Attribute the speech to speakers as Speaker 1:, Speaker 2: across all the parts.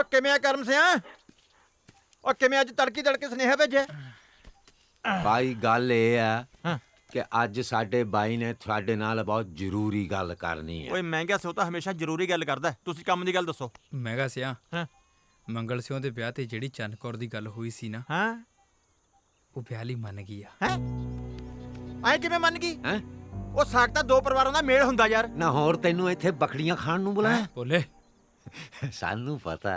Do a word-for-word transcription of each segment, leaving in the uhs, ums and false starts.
Speaker 1: ਕਿਵੇਂ ਆ ਕਰਮ ਸਿਆ? ਉਹ ਕਿਵੇਂ ਅੱਜ ਤੜਕੀ ਤੜਕੇ ਸੁਨੇਹਾ ਭੇਜਿਆ?
Speaker 2: ਭਾਈ ਗੱਲ ਇਹ ਆ
Speaker 1: ਹਾਂ
Speaker 2: ਕਿ ਅੱਜ ਸਾਡੇ ਬਾਈ ਨੇ ਤੁਹਾਡੇ ਨਾਲ ਬਹੁਤ ਜ਼ਰੂਰੀ ਗੱਲ ਕਰਨੀ ਹੈ।
Speaker 1: ਓਏ ਮਹਿੰਗਾ ਸਿਓ ਤਾਂ ਹਮੇਸ਼ਾ ਜ਼ਰੂਰੀ ਗੱਲ ਕਰਦਾ। ਤੁਸੀਂ ਕੰਮ ਦੀ ਗੱਲ ਦੱਸੋ।
Speaker 3: ਮਹਿੰਗਾ ਸਿਆ
Speaker 1: ਹਾਂ
Speaker 3: ਮੰਗਲ ਸਿਉਂ ਦੇ ਵਿਆਹ ਤੇ ਜਿਹੜੀ ਚੰਨ ਕੌਰ ਦੀ ਗੱਲ ਹੋਈ ਸੀ ਨਾ,
Speaker 1: ਹਾਂ
Speaker 3: ਉਹ ਵਿਆਹ ਲਈ ਮੰਨ ਗਈ ਆ।
Speaker 1: ਹੈ ਐ ਕਿਵੇਂ ਮੰਨ ਗਈ?
Speaker 2: ਹੈਂ?
Speaker 1: ਉਹ ਸਾਕ ਤਾਂ ਦੋ ਪਰਿਵਾਰਾਂ ਦਾ ਮੇਲ ਹੁੰਦਾ ਯਾਰ।
Speaker 2: ਨਾ ਹੋਰ ਤੈਨੂੰ ਇੱਥੇ ਬੱਕਰੀਆਂ ਖਾਣ ਨੂੰ ਬੁਲਾਇਆ?
Speaker 3: ਬੋਲੇ
Speaker 2: ਸਾਨੂੰ ਪਤਾ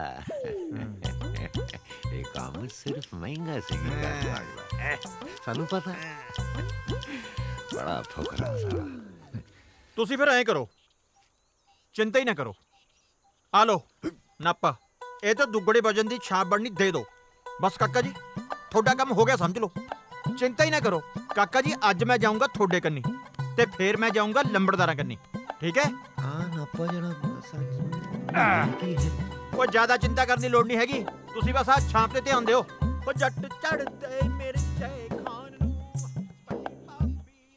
Speaker 2: ਇਹ ਕੰਮ ਸਿਰਫ ਮਹਿੰਗਾ ਸਿੰਘ ਕਰ ਸਕਦਾ ਹੈ। ਸਾਨੂੰ ਪਤਾ ਬੜਾ ਫੁਕਰਾ ਸਾਲਾ।
Speaker 1: ਤੁਸੀਂ ਫਿਰ ਐਂ ਕਰੋ, ਚਿੰਤਾ ਹੀ ਨਾ ਕਰੋ। ਆ ਲੋ ਨਾਪਾ, ਇਹ ਤਾਂ ਦੁੱਗੜੇ ਵਜਨ ਦੀ ਛਾਪ ਬਣਨੀ ਦੇ ਦਿਓ ਬਸ। ਕਾਕਾ ਜੀ ਤੁਹਾਡਾ ਕੰਮ ਹੋ ਗਿਆ ਸਮਝ ਲਓ। ਚਿੰਤਾ ਹੀ ਨਾ ਕਰੋ ਕਾਕਾ ਜੀ। ਅੱਜ ਮੈਂ ਜਾਊਂਗਾ ਤੁਹਾਡੇ ਕੰਨੀ ਤੇ ਫਿਰ ਮੈਂ ਜਾਊਂਗਾ ਲੰਬੜਦਾਰਾਂ ਕੰਨੀ, ਠੀਕ ਹੈ?
Speaker 2: ਹਾਂ ਨਾਪਾ ਜਣਾ ਕੀ ਹੈ?
Speaker 1: ਕੋਈ ਜ਼ਿਆਦਾ ਚਿੰਤਾ ਕਰਨ ਦੀ ਲੋੜ ਨਹੀਂ ਹੈਗੀ। ਤੁਸੀਂ ਬਸ ਆ ਛਾਪ ਤੇ ਧਿਆਨ ਦਿਓ। ਉਹ ਜੱਟ ਚੜਦੇ ਮੇਰੇ ਚਾਹੇ ਖਾਨ ਨੂੰ ਪੱਟੀ ਭਾਬੀ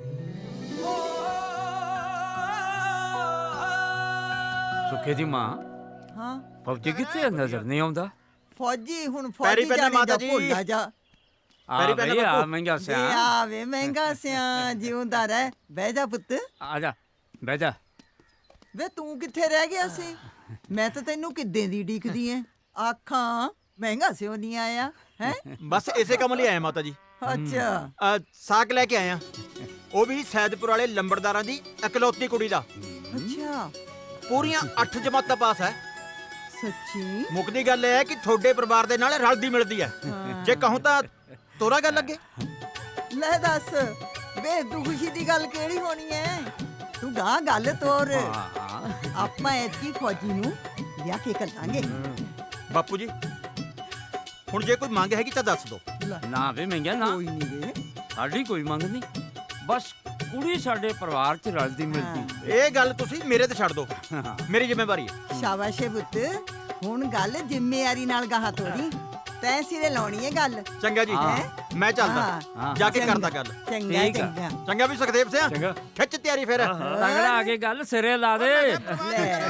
Speaker 4: ਸੁੱਖੇ ਦੀ ਮਾਂ
Speaker 5: ਹਾਂ
Speaker 4: ਫੌਜੀ ਕਿੱਥੇ ਨਜ਼ਰ ਨਹੀਂ ਆਉਂਦਾ?
Speaker 5: ਫੌਜੀ ਹੁਣ
Speaker 1: ਪੈਰੀ
Speaker 5: ਫੌਜੀ
Speaker 1: ਪੈਣਾ
Speaker 5: ਜਾਣੇ
Speaker 1: ਮਾਤਾ
Speaker 5: ਦਾ
Speaker 1: ਜੀ।
Speaker 5: ਭੁੱਲਾ ਜਾ।
Speaker 4: ਆ
Speaker 1: ਪੈਰੀ ਪੈਣਾ
Speaker 4: ਬਈ ਆ
Speaker 1: ਬਾਪੂ।
Speaker 4: ਮਹਿੰਗਾ
Speaker 5: ਦੇ
Speaker 4: ਸਿਆ
Speaker 5: ਆਵੇ ਮਹਿੰਗਾ ਸਿਆ ਜਿਉਂਦਾ ਰਹਿ। ਬਹਿ ਜਾ ਪੁੱਤ।
Speaker 4: ਆ ਜਾ ਬਹਿ ਜਾ।
Speaker 5: ਵੇ ਤੂੰ ਕਿੱਥੇ ਰਹਿ ਗਿਆ ਸੀ? ਮੈਂ ਤਾਂ ਤੈਨੂੰ ਕਿੱਦਾਂ ਦੀ ਡੀਕਦੀ ਐ। ਆਖਾਂ ਮਹਿੰਗਾ ਸਿਓ ਨਹੀਂ ਆਇਆ ਹੈ?
Speaker 1: ਬਸ ਇਸੇ ਕੰਮ ਲਈ ਆਇਆ ਮਾਤਾ ਜੀ।
Speaker 5: ਅੱਛਾ
Speaker 1: ਅ, ਸਾਕ ਲੈ ਕੇ ਆਇਆ, ਉਹ ਵੀ ਸੈਦਪੁਰ ਵਾਲੇ ਲੰਬੜਦਾਰਾਂ ਦੀ ਇਕਲੌਤੀ ਕੁੜੀ ਦਾ।
Speaker 5: ਅੱਛਾ
Speaker 1: ਪੂਰੀਆਂ ਅੱਠ ਜਮਾਤਾਂ ਪਾਸ ਹੈ।
Speaker 5: ਸੱਚੀ?
Speaker 1: ਮੁੱਕਦੀ ਗੱਲ ਇਹ ਹੈ ਕਿ ਤੁਹਾਡੇ ਪਰਿਵਾਰ ਦੇ ਨਾਲ ਰਲਦੀ ਮਿਲਦੀ ਹੈ। ਜੇ ਕਹੂੰ ਤਾਂ ਤੋਰਾ ਗੱਲ ਲੱਗੇ।
Speaker 5: ਲੈ ਦੱਸ ਵੇ ਦੁਖੀ ਦੀ ਗੱਲ ਕਿਹੜੀ ਹੋਣੀ ਐ? ਤੂੰ ਗਾਂ ਗੱਲ ਤੋਰ। ਆਪਾਂ ਐਤਕੀ ਫੌਜੀ ਨੂੰ ਵਿਆਹ ਕੇ ਕਰਾਂਗੇ।
Speaker 1: ਬਾਪੂ ਜੀ ਹੁਣ ਜੇ ਕੋਈ ਮੰਗ ਹੈਗੀ ਤਾਂ ਦੱਸ ਦਿਓ।
Speaker 5: ਲੈ,
Speaker 4: ਨਾ ਵੇ ਮਹਿੰਗਾ ਨਾ,
Speaker 5: ਕੋਈ ਨਹੀਂ ਵੇ।
Speaker 4: ਸਾਡੀ ਕੋਈ ਮੰਗ ਨਹੀਂ, ਬਸ ਕੁੜੀ ਸਾਡੇ ਪਰਿਵਾਰ ਚ ਰਲਦੀ ਮਿਲਦੀ।
Speaker 1: ਇਹ ਗੱਲ ਤੁਸੀਂ ਮੇਰੇ ਤੇ ਛੱਡ ਦਿਓ, ਮੇਰੀ ਜ਼ਿੰਮੇਵਾਰੀ ਹੈ।
Speaker 5: ਸ਼ਾਬਾਸ਼ ਏ ਪੁੱਤ। ਹੁਣ ਗੱਲ ਜ਼ਿੰਮੇਵਾਰੀ ਨਾਲ ਗਾਹਾਂ ਤੋਰੀ। ਤੈਂ ਸਿਰੇ ਲਾਉਣੀ ਏ ਗੱਲ।
Speaker 1: ਚੰਗਾ ਜੀ
Speaker 4: ਹਾਂ।
Speaker 1: ਮੈਂ ਚੱਲਦਾ,
Speaker 4: ਹਾਂ।
Speaker 1: ਜਾ ਕੇ
Speaker 5: ਚੰਗਾ,
Speaker 1: ਕਰਦਾ ਗੱਲ।
Speaker 5: ਚੰਗਾ
Speaker 4: ਠੀਕ ਆ।
Speaker 5: ਚੰਗਾ।
Speaker 1: ਚੰਗਾ ਵੀ ਸੁਖਦੇਵ ਸਿਆ,
Speaker 4: ਚੰਗਾ।
Speaker 1: ਖਿੱਚ ਤਿਆਰੀ ਫਿਰ।
Speaker 4: ਤਗੜਾ ਆ ਕੇ ਗੱਲ ਸਿਰੇ ਲਾ ਦੇ।
Speaker 5: ਲੈ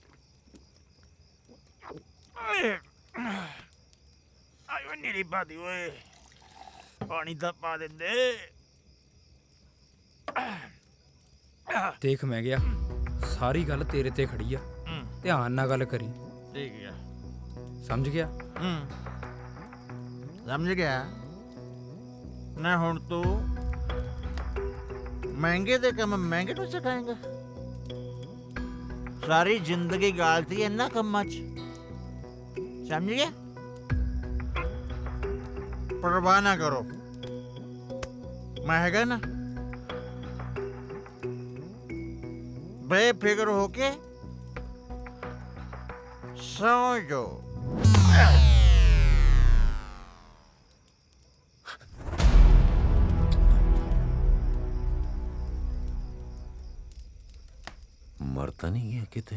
Speaker 1: ਆਇਓ ਨੀਰੀ ਬਾਦੀ ਓਏ, ਪਾਣੀ ਤਾਂ ਪਾ ਦਿੰਦੇ।
Speaker 3: ਦੇਖ ਮੈਂ ਗਿਆ, ਸਾਰੀ ਗੱਲ ਤੇਰੇ ਤੇ ਖੜੀ ਆ। ਧਿਆਨ ਨਾਲ ਗੱਲ ਕਰੀ,
Speaker 1: ਠੀਕ ਹੈ।
Speaker 3: ਸਮਝ ਗਿਆ?
Speaker 1: ਹੂੰ ਸਮਝ ਗਿਆ ਨਾ। ਹੁਣ ਤੂੰ ਮਹਿੰਗੇ ਦੇ ਕੰਮ ਮਹਿੰਗੇ ਨੂੰ ਸਿਖਾਏਂਗਾ? ਸਾਰੀ ਜ਼ਿੰਦਗੀ ਗਾਲਤੀ ਇਹਨਾਂ ਕੰਮਾਂ 'ਚ, ਸਮਝ ਗਿਆ? ਪਰਵਾਹ ਨਾ ਕਰੋ, ਮੈਂ ਹੈਗਾ ਨਾ। ਬੇਫਿਕਰ ਹੋ ਕੇ ਸੌਂ ਜਾਓ।
Speaker 2: ਮਰ ਤਾਂ ਨਹੀਂ ਗਿਆ ਕਿਤੇ?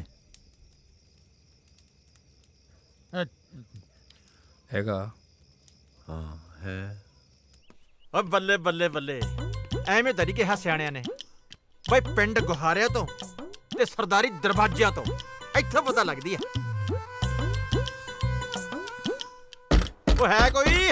Speaker 3: ਹੈਗਾ।
Speaker 2: ਹਾਂ ਹੈ।
Speaker 1: ਓ ਬੱਲੇ ਬੱਲੇ ਬੱਲੇ, ਐਵੇਂ ਤਾਂ ਨਹੀਂ ਕਿਹਾ ਸਿਆਣਿਆਂ ਨੇ। ਬਈ ਪਿੰਡ ਗੁਹਾਰਿਆਂ ਤੋਂ ਤੇ ਸਰਦਾਰੀ ਦਰਵਾਜ਼ਿਆਂ ਤੋਂ ਇੱਥੋਂ ਪਤਾ ਲੱਗਦੀ ਹੈ। ਉਹ ਹੈ ਕੋਈ?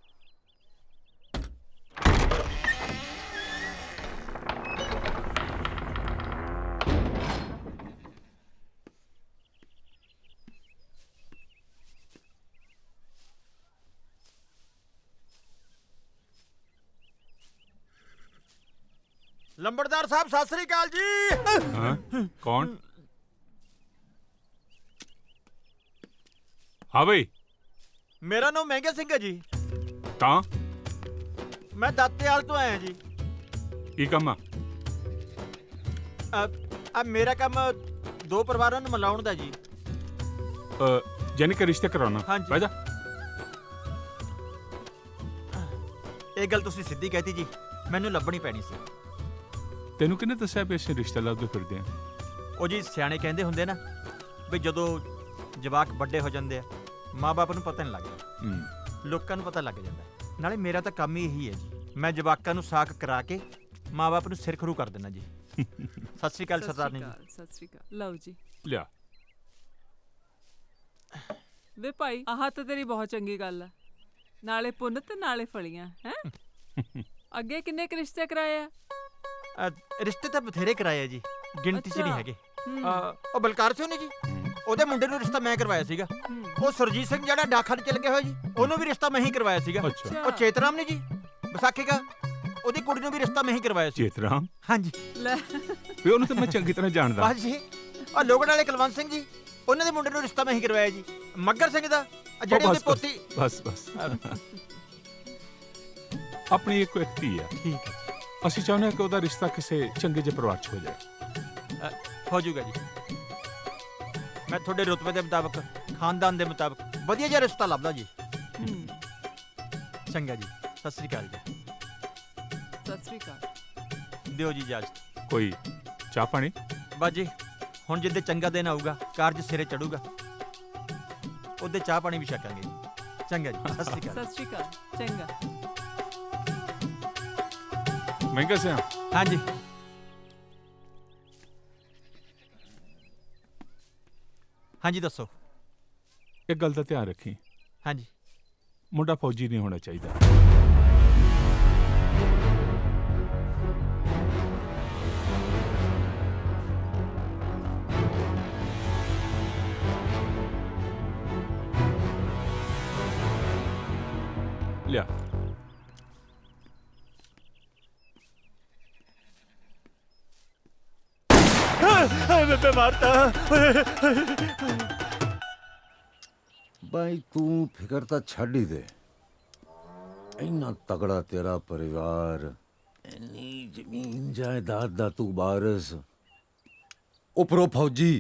Speaker 1: ਲੰਬੜਦਾਰ ਸਾਹਿਬ ਸਤਿ ਸ੍ਰੀ ਅਕਾਲ ਜੀ।
Speaker 6: ਹਾਂ ਕੌਣ? ਹਾਂ ਬਈ।
Speaker 1: ਮੇਰਾ ਨਾਮ ਮਹਿੰਗਾ ਸਿੰਘ ਹੈ ਜੀ।
Speaker 6: ਤਾਂ
Speaker 1: ਮੈਂ ਦਾਤੇਵਾਲ ਤੋਂ ਆਇਆ ਜੀ।
Speaker 6: ਕੀ ਕੰਮ ਆ?
Speaker 1: ਆ ਮੇਰਾ ਕੰਮ ਦੋ ਪਰਿਵਾਰਾਂ ਨੂੰ ਮਿਲਾਉਣ ਦਾ ਜੀ।
Speaker 6: ਅ, ਜਾਨੀ ਕਿ ਰਿਸ਼ਤੇ ਕਰਾਉਣਾ?
Speaker 1: ਹਾਂਜੀ।
Speaker 6: ਬਹਿ ਜਾ।
Speaker 1: ਇਹ ਗੱਲ ਤੁਸੀਂ ਸਿੱਧੀ ਕਹਿਤੀ ਜੀ, ਮੈਨੂੰ ਲੱਭਣੀ ਪੈਣੀ ਸੀ।
Speaker 6: ਤੈਨੂੰ ਕਿਹਨੇ ਦੱਸਿਆ ਵੀ ਅਸੀਂ ਰਿਸ਼ਤਾ ਲੱਭਦੇ ਫਿਰਦੇ ਆ?
Speaker 1: ਉਹ ਜੀ ਸਿਆਣੇ ਕਹਿੰਦੇ ਹੁੰਦੇ ਨਾ ਵੀ ਜਦੋਂ ਜਵਾਕ ਵੱਡੇ ਹੋ ਜਾਂਦੇ ਆ, ਮਾਂ-ਬਾਪ ਨੂੰ ਪਤਾ ਨਹੀਂ ਲੱਗਦਾ,
Speaker 6: ਹੂੰ।
Speaker 1: ਲੋਕਾਂ ਨੂੰ ਪਤਾ ਲੱਗ ਜਾਂਦਾ। ਨਾਲੇ ਮੇਰਾ ਤਾਂ ਕੰਮ ਹੀ ਇਹੀ ਹੈ ਜੀ, ਮੈਂ ਜਵਾਕਾਂ ਨੂੰ ਸਾਕ ਕਰਾ ਕੇ ਮਾਂ-ਬਾਪ ਨੂੰ ਸਿਰ ਖਰੂ ਕਰ ਦੇਣਾ ਜੀ। ਸਤਿ ਸ਼੍ਰੀ ਅਕਾਲ ਸਰਦਾਰਨੀ ਜੀ।
Speaker 7: ਸਤਿ ਸ਼੍ਰੀ ਅਕਾਲ। ਲਓ ਜੀ।
Speaker 6: ਲਿਆ।
Speaker 7: ਵੇ ਭਾਈ ਆਹ ਤਾਂ ਤੇਰੀ ਬਹੁਤ ਚੰਗੀ ਗੱਲ ਆ, ਨਾਲੇ ਪੁੰਨ ਤੇ ਨਾਲੇ ਫਲੀਆਂ ਹੈ। ਅੱਗੇ ਕਿੰਨੇ ਕੁ ਰਿਸ਼ਤੇ ਕਰਾਏ ਆ?
Speaker 1: ਅ, ਰਿਸ਼ਤੇ ਤਾਂ ਬਥੇਰੇ ਕਰਾਏ ਆ ਜੀ, ਗਿਣਤੀ 'ਚ ਨਹੀਂ
Speaker 7: ਅੱਛਾ।
Speaker 1: ਹੈਗੇ।
Speaker 7: ਹੂੰ।
Speaker 1: ਅ, ਉਹ ਬਲਕਾਰ ਸਿੰਘ ਨੇ ਜੀ, ਉਹਦੇ ਮੁੰਡੇ ਨੂੰ ਰਿਸ਼ਤਾ ਮੈਂ ਕਰਵਾਇਆ ਸੀਗਾ।
Speaker 7: ਹੂੰ।
Speaker 1: ਉਹ ਸੁਰਜੀਤ ਸਿੰਘ ਜਿਹੜਾ ਡਾਕਖਾਨੇ ਚ ਲੱਗਿਆ ਹੋਇਆ ਜੀ, ਉਹਨੂੰ ਵੀ ਰਿਸ਼ਤਾ ਮੈਂ ਹੀ ਕਰਵਾਇਆ ਸੀਗਾ।
Speaker 6: ਅੱਛਾ
Speaker 1: ਉਹ ਚੇਤਰਾਮ ਨੇ ਜੀ, ਵਿਸਾਖੀ ਦਾ, ਉਹਦੀ ਕੁੜੀ ਨੂੰ ਵੀ ਰਿਸ਼ਤਾ ਮੈਂ ਹੀ ਕਰਵਾਇਆ ਸੀ।
Speaker 6: ਚੇਤਰਾਮ
Speaker 1: ਹਾਂਜੀ
Speaker 7: ਲੈ
Speaker 6: ਵੀ ਉਹਨੂੰ ਤਾਂ ਮੈਂ ਚੰਗੀ ਤਰ੍ਹਾਂ ਜਾਣਦਾ।
Speaker 1: ਬਸ ਜੀ। ਉਹ ਲੋਗੜ ਵਾਲੇ ਕੁਲਵੰਤ ਸਿੰਘ ਜੀ, ਉਹਨਾਂ ਦੇ ਮੁੰਡੇ ਨੂੰ ਰਿਸ਼ਤਾ ਮੈਂ ਹੀ ਕਰਵਾਇਆ ਜੀ। ਮੱਗਰ ਸਿੰਘ ਦਾ, ਆਹ ਜਿਹੜੇ
Speaker 6: ਉਹ
Speaker 1: ਉਹਦੀ
Speaker 6: ਬਸ,
Speaker 1: ਪੋਤੀ।
Speaker 6: ਬਸ ਬਸ ਆਪਣੀ ਇੱਕ ਇੱਕ ਧੀ ਆ।
Speaker 1: ਠੀਕ ਹੈ,
Speaker 6: ਅਸੀਂ ਚਾਹੁੰਦੇ ਹਾਂ ਕਿ ਉਹਦਾ ਰਿਸ਼ਤਾ ਕਿਸੇ ਚੰਗੇ ਜਿਹੇ ਪਰਿਵਾਰ 'ਚ ਹੋ ਜਾਏ।
Speaker 1: ਅ, ਹੋ ਜਾਊਗਾ ਜੀ। ਮੈਂ ਤੁਹਾਡੇ ਰੁਤਬੇ ਦੇ ਮੁਤਾਬਕ, ਖਾਨਦਾਨ ਦੇ ਮੁਤਾਬਕ ਵਧੀਆ ਜਿਹਾ ਰਿਸ਼ਤਾ ਲੱਭਦਾ ਜੀ।
Speaker 7: ਹੂੰ।
Speaker 1: ਚੰਗਾ ਜੀ, ਸਤਿ ਸ੍ਰੀ ਅਕਾਲ ਜੀ।
Speaker 7: ਸਤਿ ਸ੍ਰੀ ਅਕਾਲ।
Speaker 1: ਦਿਓ ਜੀ ਇਜਾਜ਼ਤ।
Speaker 6: ਕੋਈ ਚਾਹ ਪਾਣੀ?
Speaker 1: ਬਸ ਜੀ, ਹੁਣ ਜਿੱਦੇ ਚੰਗਾ ਦਿਨ ਆਊਗਾ, ਕਾਰਜ ਸਿਰੇ ਚੜੂਗਾ, ਉਹਦੇ ਚਾਹ ਪਾਣੀ ਵੀ ਛਕਾਂਗੇ ਜੀ। ਚੰਗਾ ਜੀ, ਸਤਿ ਸ੍ਰੀ ਅਕਾਲ।
Speaker 7: ਸਤਿ ਸ੍ਰੀ ਅਕਾਲ। ਚੰਗਾ।
Speaker 6: ਮਹਿੰਗਾ ਸਿਆ
Speaker 1: ਹਾਂਜੀ। ਹਾਂਜੀ ਦੱਸੋ।
Speaker 6: ਇੱਕ ਗੱਲ ਦਾ ਧਿਆਨ ਰੱਖੀ,
Speaker 1: ਹਾਂਜੀ।
Speaker 6: ਮੁੰਡਾ ਫੌਜੀ ਨਹੀਂ ਹੋਣਾ ਚਾਹੀਦਾ। ਲਿਆ
Speaker 1: ਮੈਂ ਮਾਰਤਾ।
Speaker 2: ਬਾਈ ਤੂੰ ਫਿਕਰ ਤਾਂ ਛੱਡ ਹੀ ਦੇ। ਇੰਨਾ ਤਗੜਾ ਤੇਰਾ ਪਰਿਵਾਰ, ਇੰਨੀ ਜ਼ਮੀਨ ਜਾਇਦਾਦ ਦਾ ਤੂੰ ਵਾਰਿਸ, ਉਪਰੋਂ ਫੌਜੀ।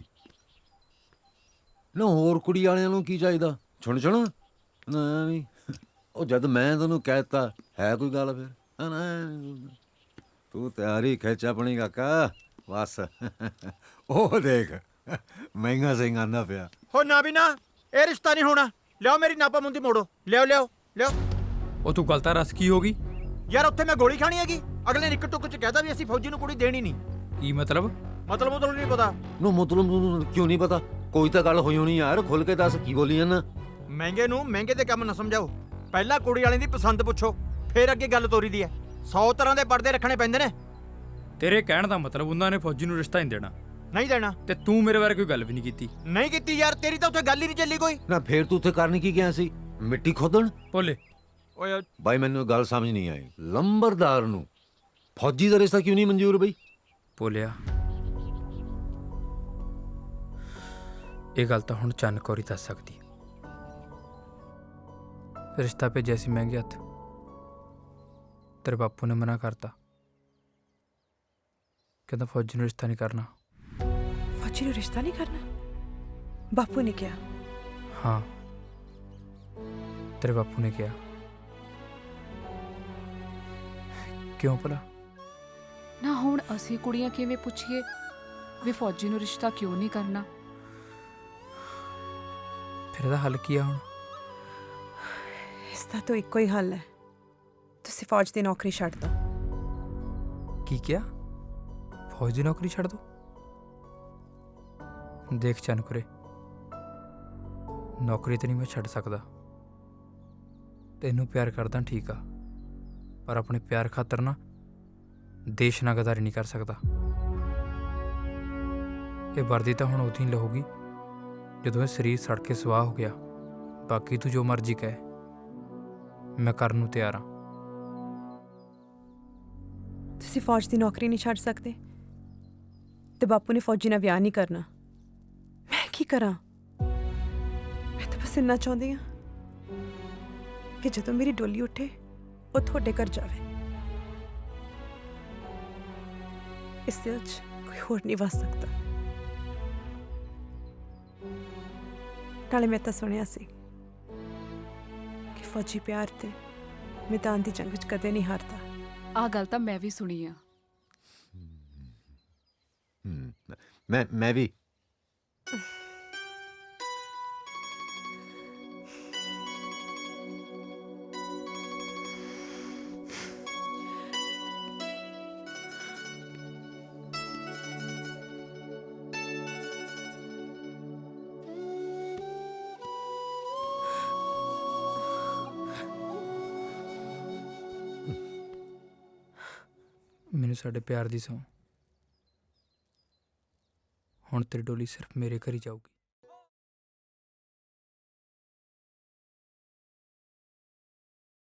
Speaker 2: ਨਾ ਹੋਰ ਕੁੜੀ ਵਾਲਿਆਂ ਨੂੰ ਕੀ ਚਾਹੀਦਾ? ਛੁਣ ਛੁਣ ਨਾ ਵੀ। ਉਹ ਜਦ ਮੈਂ ਤੈਨੂੰ ਕਹਿਤਾ ਹੈ ਕੋਈ ਗੱਲ ਫਿਰ? ਨਾ, ਨਾ, ਤੂੰ ਤਿਆਰੀ ਖਿੱਚ ਆਪਣੀ ਕਾਕਾ ਬਸ। ਉਹ ਦੇਖ ਮਹਿੰਗਾ ਸਿੰਘ ਆਂਦਾ ਪਿਆ।
Speaker 1: ਹੋ ਨਾ ਵੀ ਨਾ, ਇਹ ਰਿਸ਼ਤਾ ਨਹੀਂ ਹੋਣਾ। ਲਿਆਓ ਮੇਰੀ ਨਾਪਾ ਮੁੰਦੀ ਮੋੜੋ। ਲਿਆਓ ਲਿਆਓ ਲਿਆਓ।
Speaker 3: ਉਹ ਤੂੰ ਗਲਤਾ ਰਸ ਕੀ ਹੋ ਗਈ?
Speaker 1: ਯਾਰ ਉੱਥੇ ਮੈਂ ਗੋਲੀ ਖਾਣੀ ਹੈਗੀ, ਅਗਲੇ ਨੇ ਇੱਕ ਟੁੱਕ ਚ ਕਹਿਤਾ ਵੀ ਅਸੀਂ ਫੌਜੀ ਨੂੰ ਕੁੜੀ ਦੇਣੀ ਨਹੀਂ।
Speaker 3: ਕੀ ਮਤਲਬ?
Speaker 1: ਮਤਲਬ ਮਤਲਬ ਨਹੀਂ ਪਤਾ।
Speaker 2: ਨੂੰ ਮਤਲਬ ਨੂੰ ਕਿਉਂ ਨਹੀਂ ਪਤਾ? ਕੋਈ ਤਾਂ ਗੱਲ ਹੋਈ ਹੋਣੀ ਯਾਰ, ਖੁੱਲ ਕੇ ਦੱਸ ਕੀ ਬੋਲੀ ਜਾਂਦਾ।
Speaker 1: ਮਹਿੰਗੇ ਨੂੰ ਮਹਿੰਗੇ ਦੇ ਕੰਮ ਨਾ ਸਮਝਾਓ। ਪਹਿਲਾਂ ਕੁੜੀ ਵਾਲੇ ਦੀ ਪਸੰਦ ਪੁੱਛੋ, ਫਿਰ ਅੱਗੇ ਗੱਲ ਤੋਰੀ ਦੀ ਹੈ। ਸੌ ਤਰ੍ਹਾਂ ਦੇ ਪਰਦੇ ਰੱਖਣੇ ਪੈਂਦੇ ਨੇ।
Speaker 3: ਤੇਰੇ ਕਹਿਣ ਦਾ ਮਤਲਬ ਉਹਨਾਂ ਨੇ ਫੌਜੀ ਨੂੰ ਰਿਸ਼ਤਾ ਨਹੀਂ ਦੇਣਾ,
Speaker 1: ਨਹੀਂ ਦੇਣਾ।
Speaker 3: ਤੇ ਤੂੰ ਮੇਰੇ ਬਾਰੇ ਕੋਈ ਗੱਲ ਵੀ ਨਹੀਂ ਕੀਤੀ।
Speaker 1: ਨਹੀਂ ਕੀਤੀ ਯਾਰ, ਤੇਰੀ ਤਾਂ ਉੱਥੇ ਗੱਲ ਹੀ ਨਹੀਂ ਚੱਲੀ ਕੋਈ।
Speaker 2: ਨਾ ਫੇਰ ਤੂੰ ਉੱਥੇ ਕਰਨ ਕੀ ਗਿਆ ਸੀ? ਮਿੱਟੀ ਖੋਦਣ?
Speaker 3: ਭੋਲੇ,
Speaker 1: ਓਏ
Speaker 2: ਬਾਈ ਮੈਨੂੰ ਇਹ ਗੱਲ ਸਮਝ ਨਹੀਂ ਆਈ, ਲੰਬਰਦਾਰ ਨੂੰ ਫੌਜੀ ਦਾ ਰਿਸ਼ਤਾ ਕਿਉਂ ਨਹੀਂ ਮਨਜ਼ੂਰ ਬਈ?
Speaker 3: ਭੋਲਿਆ, ਇਹ ਗੱਲ ਤਾਂ ਹੁਣ ਚੰਨ ਕੌਰੀ ਦੱਸ ਸਕਦੀ। ਰਿਸ਼ਤਾ ਭੇਜਿਆ ਸੀ ਮਹਿੰਗੇ ਹੱਥ, ਤੇਰੇ ਬਾਪੂ ਨੇ ਮਨਾ ਕਰਤਾ, ਕਹਿੰਦਾ ਫੌਜੀ ਨੂੰ ਰਿਸ਼ਤਾ ਨਹੀਂ ਕਰਨਾ।
Speaker 8: ਫੌਜੀ ਨੂੰ ਰਿਸ਼ਤਾ ਨਹੀਂ ਕਰਨਾ? ਬਾਪੂ ਨੇ ਕਿਹਾ?
Speaker 3: ਹਾਂ, ਤੇਰੇ ਬਾਪੂ ਨੇ ਕਿਹਾ। ਕਿਉਂ ਭਲਾ?
Speaker 9: ਨਾ ਹੁਣ ਅਸੀਂ ਕੁੜੀਆਂ ਕਿਵੇਂ ਪੁੱਛੀਏ ਵੀ ਫੌਜੀ ਨੂੰ ਰਿਸ਼ਤਾ ਕਿਉਂ ਨਹੀਂ ਕਰਨਾ?
Speaker 3: ਫਿਰ ਇਹਦਾ ਹੱਲ ਕੀ ਆ ਹੁਣ?
Speaker 8: ਇਸ ਦਾ ਤਾਂ ਇੱਕੋ ਹੀ ਹੱਲ ਹੈ, ਤੁਸੀਂ ਫੌਜ ਦੀ ਨੌਕਰੀ ਛੱਡ ਦਿਓ।
Speaker 3: ਕੀ ਕਿਹਾ? ਫੌਜ ਦੀ ਨੌਕਰੀ ਛੱਡ ਦੋ? ਦੇਖ ਚੰਨਕੁਰੇ, ਨੌਕਰੀ ਤੇ ਨਹੀਂ ਮੈਂ ਛੱਡ ਸਕਦਾ। ਤੈਨੂੰ ਪਿਆਰ ਕਰਦਾ ਠੀਕ ਆ, ਪਰ ਆਪਣੇ ਪਿਆਰ ਖਾਤਰ ਨਾ ਦੇਸ਼ ਨਾਲ ਗਦਾਰੀ ਨਹੀਂ ਕਰ ਸਕਦਾ। ਇਹ ਵਰਦੀ ਤਾਂ ਹੁਣ ਉਦੋਂ ਹੀ ਲਹੂਗੀ ਜਦੋਂ ਇਹ ਸਰੀਰ ਸੜ ਕੇ ਸਵਾਹ ਹੋ ਗਿਆ। ਬਾਕੀ ਤੂੰ ਜੋ ਮਰਜ਼ੀ ਕਹਿ, ਮੈਂ ਕਰਨ ਨੂੰ ਤਿਆਰ ਹਾਂ।
Speaker 8: ਤੁਸੀਂ ਫੌਜ ਦੀ ਨੌਕਰੀ ਨਹੀਂ ਛੱਡ ਸਕਦੇ ਤੇ ਬਾਪੂ ਨੇ ਫੌਜੀ ਨਾਲ ਵਿਆਹ ਨਹੀਂ ਕਰਨਾ। ਮੈਂ ਕੀ ਕਰਾਂ? ਮੈਂ ਤਾਂ ਬਸ ਇੰਨਾ ਚਾਹੁੰਦੀ ਹਾਂ ਕਿ ਜਦੋਂ ਮੇਰੀ ਡੋਲੀ ਉੱਠੇ ਉਹ ਤੁਹਾਡੇ ਘਰ ਜਾਵੇ। ਇਸ ਦਿਲ 'ਚ ਕੋਈ ਹੋਰ ਨਹੀਂ ਵਸ ਸਕਦਾ। ਨਾਲੇ ਮੈਂ ਤਾਂ ਸੁਣਿਆ ਸੀ ਕਿ ਫੌਜੀ ਪਿਆਰ ਤੇ ਮੈਦਾਨ ਦੀ ਜੰਗ 'ਚ ਕਦੇ ਨਹੀਂ ਹਾਰਦਾ।
Speaker 9: ਆਹ ਗੱਲ ਤਾਂ ਮੈਂ ਵੀ ਸੁਣੀ ਆ।
Speaker 2: ਹਮ, ਮੈਂ ਮੈਂ ਵੀ
Speaker 3: ਮੈਨੂੰ ਸਾਡੇ ਪਿਆਰ ਦੀ ਸਹੁੰ, ਹੁਣ ਤੇਰੀ ਡੋਲੀ ਸਿਰਫ ਮੇਰੇ ਘਰ ਹੀ ਜਾਊਗੀ।